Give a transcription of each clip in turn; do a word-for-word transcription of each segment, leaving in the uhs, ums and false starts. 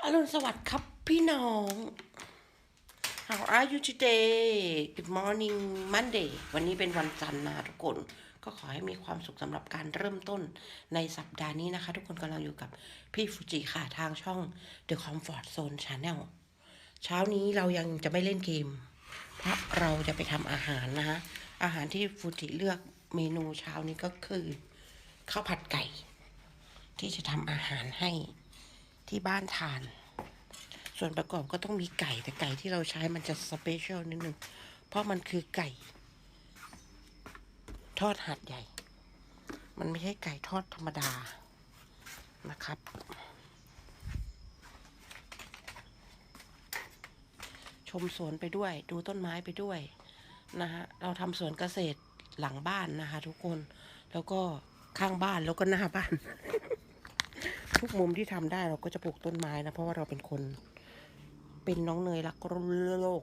อรุณสวัสดิ์ครับพี่น้อง How are you today Good morning Monday วันนี้เป็นวันจันทร์นะทุกคนก็ขอให้มีความสุขสำหรับการเริ่มต้นในสัปดาห์นี้นะคะทุกคนกำลังอยู่กับพี่ฟูจิค่ะทางช่อง The Comfort Zone Channel เช้านี้เรายังจะไม่เล่นเกมเพราะเราจะไปทำอาหารนะคะอาหารที่ฟูจิเลือกเมนูเช้านี้ก็คือข้าวผัดไก่ที่จะทำอาหารให้ที่บ้านทานส่วนประกอบก็ต้องมีไก่แต่ไก่ที่เราใช้มันจะสเปเชียลนิดนึงเพราะมันคือไก่ทอดหัดใหญ่มันไม่ใช่ไก่ทอดธรรมดานะครับชมสวนไปด้วยดูต้นไม้ไปด้วยนะฮะเราทำสวนเกษตรหลังบ้านนะคะทุกคนแล้วก็ข้างบ้านแล้วก็หน้าบ้าน ทุกมุมที่ทำได้เราก็จะปลูกต้นไม้นะเพราะว่าเราเป็นคนเป็นน้องเนยรักโลก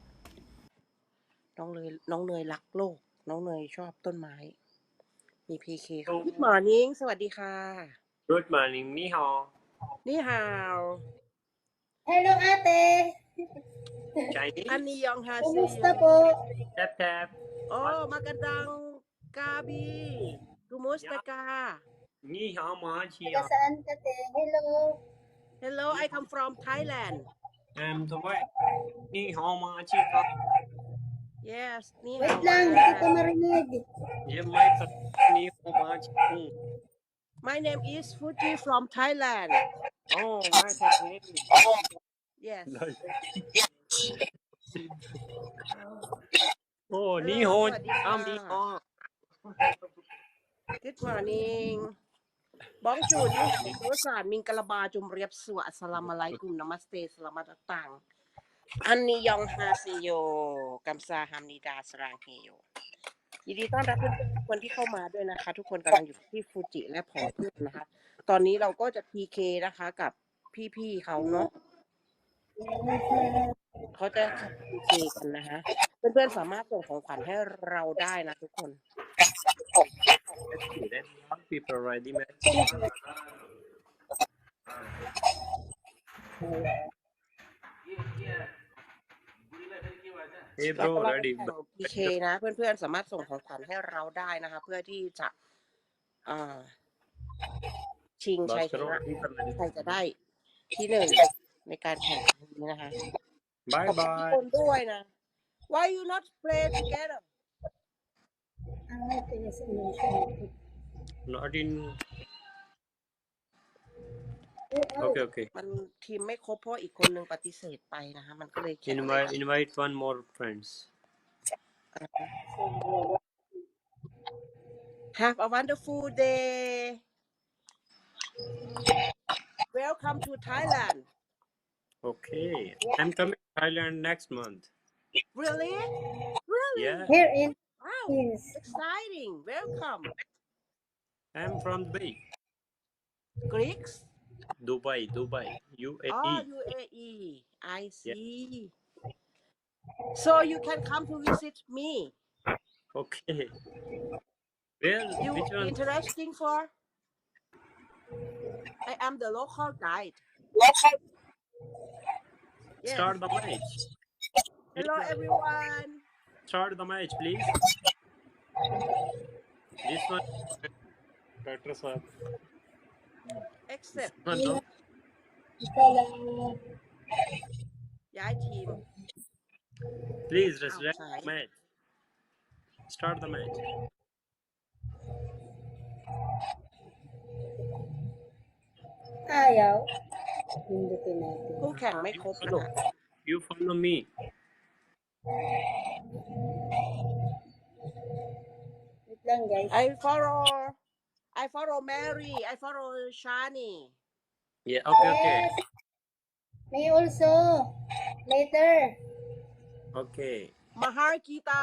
น้องเนยน้องเนยรักโลกน้องเนยชอบต้นไม้มีพีเคค่ะ Good morning สวัสดีค่ะ Good morning นี่ฮาวนี่ฮาว Hello ate. Chinese อันนี้ยองฮาซี Kumusta po? tap tap Oh magandang gabi Kumusta ka Ni hao ma chi Taga saan ka te? Hello. Hello I come from Thailand Em thôi Ni hao ma chi ka Yes นี่ Wait ฮาว lang, hindi kita marinig. Ye mai ta ni hao ma chi ku My name is Fuji from Thailand Oh my god Yes Oh ni Hello hao สวัสดีค่ะ am ni hao Good morning บ้องจูนี่โดสานมิงกะลาบาจุมเรียบสวะอัสสลามุอะลัยกุมนามัสเตสลามัตตังอันนี้ยองฮาซิโยกัมซาฮัมนิดาสรางเฮโยยินดีต้อนรับทุกคนที่เข้ามาด้วยนะคะทุกคนกำลังอยู่ที่ฟูจิและผอเพื่อนนะคะตอนนี้เราก็จะ พี เค นะคะกับพี่ๆเขาเนาะเขาจะ พี เค กันนะคะเพื่อนๆสามารถส่งของขวัญให้เราได้นะทุกคน Let young people ready man Hey แล้ว bro ก็เรา ready แข่ง พี เค นะเพื่อนๆสามารถส่งของขวัญให้เราได้นะคะ เพื่อที่จะอ่าชิงชัยชนะใครจะได้ที่หนึ่งในการแข่งขันนี้นะคะ Bye ขอบคุณทุก bye คนด้วยนะ Why you not play together Ah, taga saan mo siya? Not in Oh, Okay okay มันทีมไม่ครบเพราะอีกคนนึงปฏิเสธไปนะคะ มันก็เลยแข่งไม่ Invite ได้ invite one more friends Have a wonderful day Welcome to Thailand Okay I'm coming to Thailand next month Really Really Yeah here in Wow Philippines. exciting Welcome I'm from Dubai Greeks Dubai Dubai U A E Oh U A E I see So you can come to visit me Okay Well You which one interesting for I am the local guide Yes Start the match Hello everyone Start the match please This one Doctor sir Accept One no Ito lang. ย้ายทีม Please อ้าว resurrect สาย the match Start the match Ayaw. Pindutin natin. คู่แข่งไม่ครบนะ Follow คะ You follow me Wait lang guys. I follow I follow Mary I follow Shani Yeah okay okay Yes. Me also. Later. Okay Mahar kita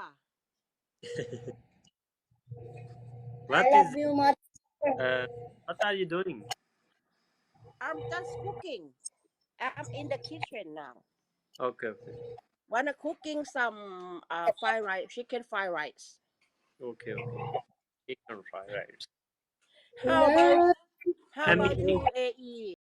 What I is love you much. uh What are you doing I'm just cooking I'm in the kitchen now Okay okay wanna cooking some uh fried rice chicken fried rice Okay okay Chicken fried rice How about Hello. How I'm about eating U A E